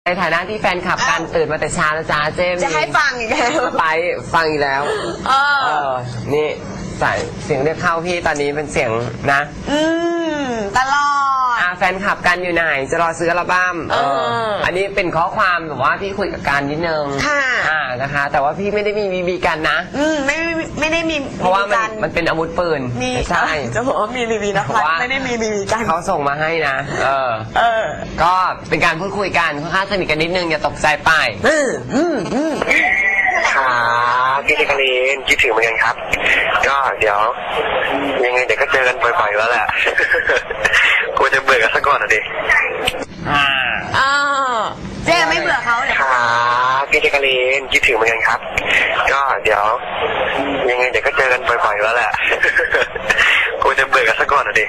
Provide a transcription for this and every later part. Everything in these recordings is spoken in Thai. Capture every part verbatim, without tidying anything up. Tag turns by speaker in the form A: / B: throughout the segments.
A: ในฐานะที่แฟนคลับกันตื่นมาแต่เช้านะจ๊ะเจมส์
B: จะให้ฟังอีกแล้ว
A: ไปฟังอีกแล้วเออเออนี่ใส่เสียงเรียกเข้าพี่ตอนนี้เป็นเสียงนะ
B: อืมตลอด
A: อ่าแฟนคลับกันอยู่ไหนจะรอซื้ออัลบั้มเอออันนี้เป็นข้อความแบบว่าพี่คุยกับการนิดนึง
B: ค่ะ
A: อ่านะคะแต่ว่าพี่ไม่ได้มีบีบีกันนะ
B: อืมไม่ไม่ได้มี
A: เพราะว่ามันมันเป็นอาวุธปืน
B: ไม่ใช่จะบอกว่ามีบีบีนะพัดไม่ได้มีบีบีกัน
A: เขาส่งมาให้นะเออเออก็เป็นการพูดคุยกันค่อนข้างสนิทกันนิดนึงอย่าตกใจไปอืมอืมอืม
C: ครับพี่เจคารีนคิดถึงเหมือนกันครับก็เดี๋ยวยังไงเดี๋ยวก็เจอกันบ่อยๆแล้วแหละกลัวจะเบื่อกันซะก่อนอ่ะดิ
A: อ่า
B: อ่าเจ๊ไม่เบื่อเขาเลย
C: ครับพี่เจคารีนคิดถึงเหมือนกันครับก็เดี๋ยวยังไงเดี๋ยวก็เจอกันบ่อยๆแล้วแหละกลัวจะเบื่อกันซะก่อนอ่ะดิ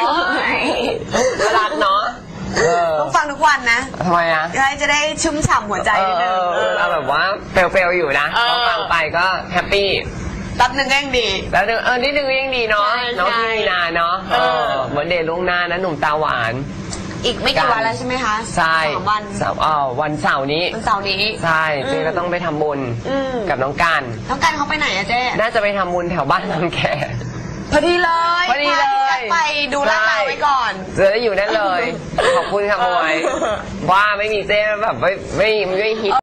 A: รักเนาะ
B: ต้องฟังทุกวันนะ
A: ทำไมอ่ะ
B: จะได้ชุ่มฉ่ำหัวใจนิดนึง
A: เราแบบว่าเฟลๆอยู่นะฟังไปก็แฮปปี้
B: แป๊บนึงก็ยังดี
A: แล้วเออนิดนึงก็ยังดีเนาะน้องพี่มีนาเนาะเออเหมือนเดย์ล่วงหน้านะหนุ่มตาหวาน
B: อีกไม่กี่วันแล้วใช่ไหมคะ
A: ใช่
B: สามวัน
A: สามอ๋อวันเสาร์นี้
B: วันเสาร์นี้
A: ใช่เจ๊ก็ต้องไปทำบุญกับน้องการ
B: น้องการเขาไปไหนอะเจ๊
A: น่าจะไปทำบุญแถวบ้านบางแค
B: พอดีเลย
A: พอดีเลย
B: ไปดูลาดเราไว้ก่อน
A: จะได้อยู่นั่นเลยขอบคุณค่ะมวยว่าไม่มีเจ๊แบบไม่ไม่ไม่ฮิต